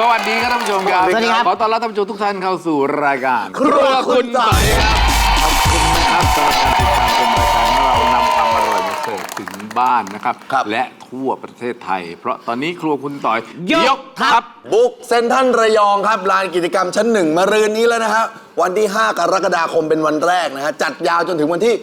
สวัสดีครับท่านผู้ชมครับสวัสดีครับขอต้อนรับท่านผู้ชมทุกท่านเข้าสู่รายการครัวคุณต่อยครับขอบคุณนะครับสำหรับการติดตามชมรายการของเรานำความอร่อยมาเสิร์ฟถึงบ้านนะครับ และทั่วประเทศไทย เพราะตอนนี้ครัวคุณต่อยยกทัพบุกเซ็นทรัลระยองครับลานกิจกรรมชั้นหนึ่งมะรืนนี้แล้วนะฮะวันที่ 5 กรกฎาคมเป็นวันแรกนะฮะจัดยาวจนถึงวันที่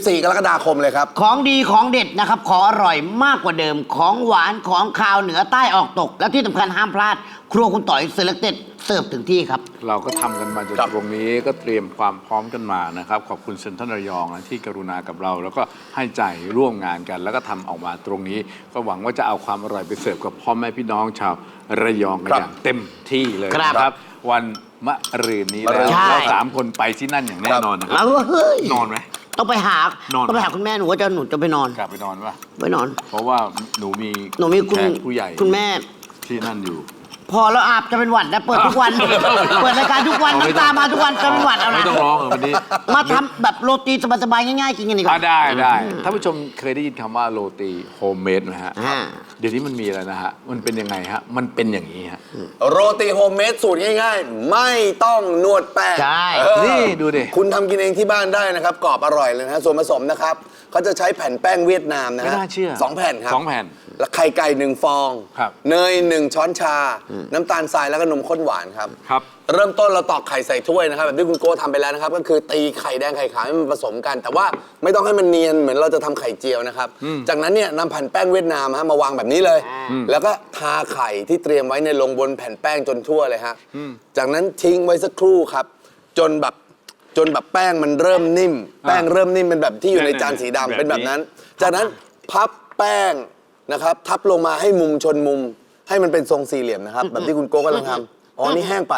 14 กรกฎาคมเลยครับของดีของเด็ดนะครับของอร่อยมากกว่าเดิมของหวานของคาวเหนือใต้ออกตก และที่สำคัญห้ามพลาด ครัวคุณต่อยเซเลคเต็ดเสิร์ฟถึงที่ครับเราก็ทำกันมาจนครับตรงนี้ก็เตรียมความพร้อมกันมานะครับขอบคุณเซ็นทรัลระยองนะที่กรุณากับเรา แล้วก็ให้ใจร่วมงานกัน แล้วก็ทำออกมาตรงนี้ ก็หวังว่าจะเอาความอร่อยไปเสิร์ฟกับพ่อแม่พี่น้องชาวระยองกันอย่างเต็มที่เลยครับนะครับ วันมะรืนนี้แล้วใช่เราสามคนไปที่นั่นอย่างแน่นอนนะคแล้รับวเฮ้ยนอนไหมต้องไปหานอนต้องไปหาคุณแม่หนูว่าหนูจะไปนอนกลับไปนอนปะไปนอนเพราะว่าหนูมีหนูมีคุณแขกผู้ใหญ่คุณแม่ที่นั่นอยู่พอแล้วอาบจะเป็นหวัดนะเปิดทุกวัน เปิดรายการทุกวันเอาไม่น้ำตามาทุกวันจะเป็นหวัดเอาไม่นะต้องร้องวันนี้มาทำแบบโรตีสบายๆง่ายๆกินกันดีกว่าได้ท่านผู้ชมเคยได้ยินคำว่าโรตีโฮมเมดไหมฮะอ่าเดี๋ยวนี้มันมีอะไรนะฮะ มันเป็นยังไงฮะ มันเป็นอย่างนี้ฮะโรตีโฮมเมดสูตรง่ายๆ ไม่ต้องนวดแป้งใช่นี่ดูดิคุณทำกินเองที่บ้านได้นะครับกรอบอร่อยเลยนะฮะส่วนผสมนะครับเขาจะใช้แผ่นแป้งเวียดนามนะไม่ฮะน่าเชื่อ 2 แผ่นครับ 2 แผ่นแล้วไข่ไก่1 ฟองครับเนย1 ช้อนชา น้ำตาลทรายแล้วก็นมข้นหวานครับครับเริ่มต้นเราตอกไข่ใส่ถ้วยนะครับแบบที่คุณโก้ทำไปแล้วนะครับก็คือตีไข่แดงไข่ขาวให้มันผสมกัน แต่ว่าไม่ต้องให้มันเนียนเหมือนเราจะทำไข่เจียวนะครับจากนั้นเนี่ยนำแผ่นแป้งเวียดนามฮะมาวางแบบนี้เลย แล้วก็ทาไข่ที่เตรียมไว้ในยลงบนแผ่นแป้งจนทั่วเลยฮะจากนั้นทิ้งไว้สักครู่ครับจนแบบแป้งมันเริ่มนิ่ม แป้งเริ่มนิ่มเป็นแบบที่อยู่ในจานสีดำเป็นแบบนั้น จากนั้นพับแป้งนะครับทับลงมาให้มุมชนมุม ให้มันเป็นทรงสี่เหลี่ยมนะครับแบบที่คุณโก้กำลังทำอ๋อนี่แห้งไป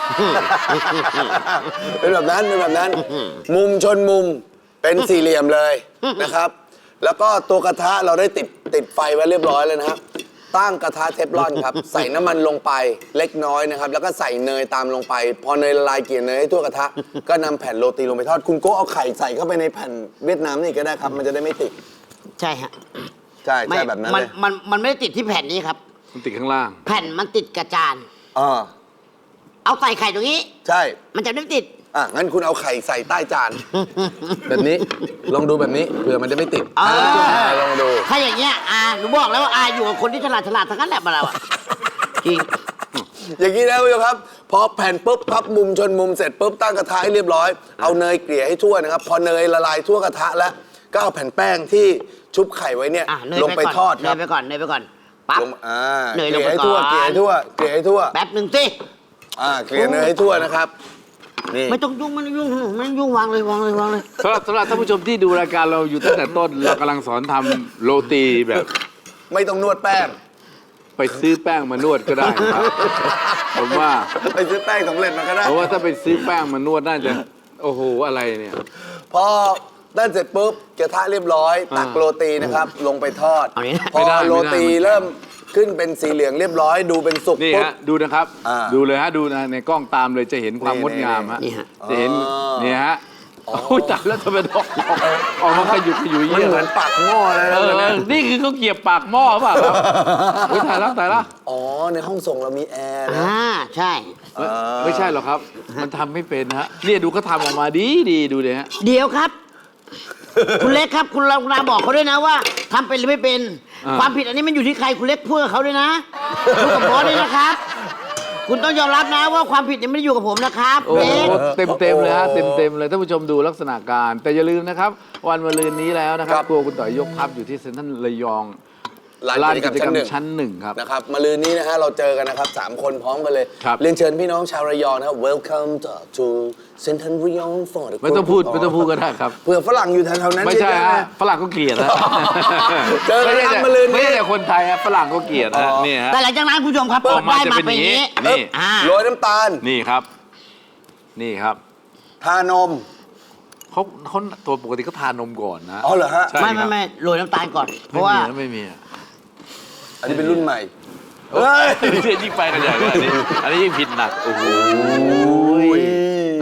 เป็นแบบนั้นมุมชนมุมเป็นสี่เหลี่ยมเลยนะครับ แล้วก็ตัวกระทะเราได้ติดไฟไว้เรียบร้อยเลยนะครับตั้งกระทะเทฟลอนครับ ใส่น้ำมันลงไปเล็กน้อยนะครับแล้วก็ใส่เนยตามลงไป พอเนยละลายเกลี่ยเนยให้ทั่วกระทะ ก็นำแผ่นโรตีลงไปทอดคุณโก้เอาไข่ใส่เข้าไปในแผ่นเวียดนามนี่ก็ได้ครับ มันจะได้ไม่ติดใช่ฮะใช่แบบนั้นเลยมันไม่ได้ติดที่แผ่นนี้ครับมันติดข้างล่างแผ่นมันติดกระจานอ่าเอาใส่ไข่ตรงนี้ใช่มันจะไม่ติดอ่ะงั้นคุณเอาไข่ใส่ใต้จาน แบบนี้ลองดูแบบนี้เผื่อมันจะไม่ติดเออลองดูถ้าอย่างเงี้ยหนูบอกแล้วว่าอยู่กับคนที่ฉลาดทั้งนั้นแหละมาเราอะจริงอย่างนี้นะคุณผู้ชมครับพอแผ่นปุ๊บพับมุมชนมุมเสร็จปุ๊บตั้งกระทะให้เรียบร้อย เอาเนยเกลี่ยให้ทั่วนะครับ พอเนยละลายทั่วกระทะแล้วก็เอาแผ่นแป้งที่ชุบไข่ไว้เนี่ยเนยลงไปทอดครับเนยไปก่อนปั๊บลงเกเนยลลี่งยไปให้ก่ทั่วอนเกลี่ยให้ทั่วเกลี่ยให้ทั่วแป๊บหนึ่งสิเกลี่ยเนยให้ทั่วนะครับนี่ไม่ต้องยุ่งไม่ยุ่งวางเลยสำหรับท่านผู้ชมที่ดูรายการเราอยู่ตั้งแต่ต้น เรากำลังสอนทำโรตีแบบไม่ต้องนวดแป้งไปซื้อแป้งมานวดก็ได้นะครับผมว่าไปซื้อแป้งสำเร็จมาก็ได้เพราะว่าถ้าไปซื้อแป้งมานวดน่าจะโอ้โหอะไรเนี่ยพอด้านเสร็จปุ๊บกระทะเรียบร้อย ตักโรตีนะครับ ลงไปทอดเอาอย่างนี้นะพอโรตีเริ่มขึ้นเป็นสีเหลืองเรียบร้อย ดูเป็นสุกนี่ปุ๊บฮะดูนะครับ ดูเลยฮะดูนะในกล้องตามเลยจะเห็นความนี่งดงามฮะนี่ฮะจะเห็นนี่ฮะโอ้ยจับแล้วทำไมออกมาขยุกขยุยมันเยี่ยเหมือนปากหม้อเลยนะนี่คือเขาเกียบปากหม้อเปล่าครับเฮ้ยตายแล้วอ๋อ ในห้องส่งเรามีแอร์นะใช่ไม่ใช่หรอกครับ มันทำไม่เป็นฮะเนี่ยดูเขาทำออกมาดีดูเลยฮะเดี๋ยวครับ คุณเล็กครับ คุณเราบอกเขาด้วยนะว่าทำเป็นหรือไม่เป็น ความผิดอันนี้มันอยู่ที่ใครคุณเล็กพูดกับเขาด้วยนะพูดกับบอสด้วยนะครับ คุณต้องยอมรับนะว่าความผิดเนี่ยไม่ได้อยู่กับผมนะครับโอ้โหเล็กเต็มเลยฮะเต็มเลยท่านผู้ชมดูลักษณะการ แต่อย่าลืมนะครับ วันมะรืนนี้แล้วนะครับครัวคุณต่อยยกทัพอยู่ที่เซ็นทรัลระยองลานกิจกรรมชั้นหนึ่งครับนะครับมาลืนนี้นะฮะเราเจอกันนะครับ3 คนพร้อมกันเลยครับเรียนเชิญพี่น้องชาวระยองนะครับ Welcome to Central Rayong for the ไม่ต้องพูดก็ได้ครับเผื่อฝรั่งอยู่แถวๆนั้นไม่ใช่เยอะฮะนะฝรั่งก็เกลียดนะเจอกันไม่คใช่รับมะรืนนี้ไม่ใช่แต่คนไทยฮะฝรั่งก็เกลียดฮะนี่ฮะแต่หลังจากนั้นคุณผู้ชมครับออกมาได้จะมาเป็นเป็นอย่างนี้อย่างนี้โรยน้ำตาลนี่ครับ นี่ครับทานมเขาตัวปกติก็ทานนมก่อนนะอ๋อเหรอฮะใช่ไม่โรยน้ำตาลก่อน เพราะว่าไม่มีอะอันนี้เป็นรุ่นใหม่เฮ้ยยิ่งไปกันใหญ่เลยอันนี้ยิ่งผิดหนักโอ้โหน่า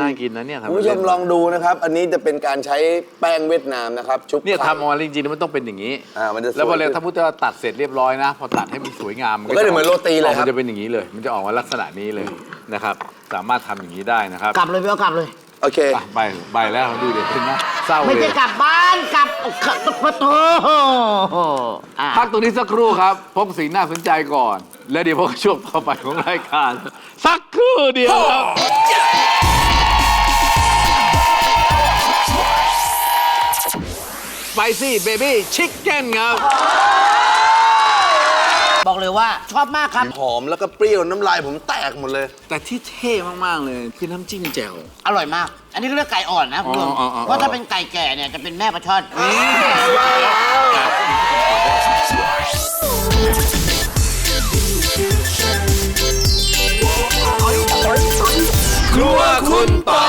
น่ากินนะเนี่ยคุณผู้ชมลองดูนะครับ อันนี้จะเป็นการใช้แป้งเวียดนามนะครับชุบเนี่ยไข่ทำออกมาจริงๆมันต้องเป็นอย่างนี้มันจะสวยแล้วพอเลยถ้าพุทธว่าตัดเสร็จเรียบร้อยนะ พอตัดให้มันสวยงามมันก็จะเหมือนโรตีเลยครับมันจะเป็นอย่างนี้เลย มันจะออกมาลักษณะนี้เลยนะครับ สามารถทำอย่างนี้ได้นะครับกลับเลยพี่เอากลับเลยโอเคอ่ะใบแล้วดูเด็ดขึ้นนะเศร้าไม่เลใช่ยกลับบ้านกลับปะโถอ่ะพักตรงนี้สักครู่ครับพบสิ่งน่าสนใจก่อน แล้วเดี๋ยวพบช่วงต่อไปของรายการสักครู่เดียวครับไปซี่เบบี้ชิคเก้นครับบอกเลยว่าชอบมากครับหอมแล้วก็เปรี้ยวน้ำลายผมแตกหมดเลยแต่ที่เท่มากๆเลยคือน้ำจิ้มแจ่วอร่อยมาก อันนี้ก็เรียกไก่อ่อนนะคุณผู้ชมอ๋อเพราะถ้าเป็นไก่แก่เนี่ยจะเป็นแม่ปลาช่อนครัวคุณปอ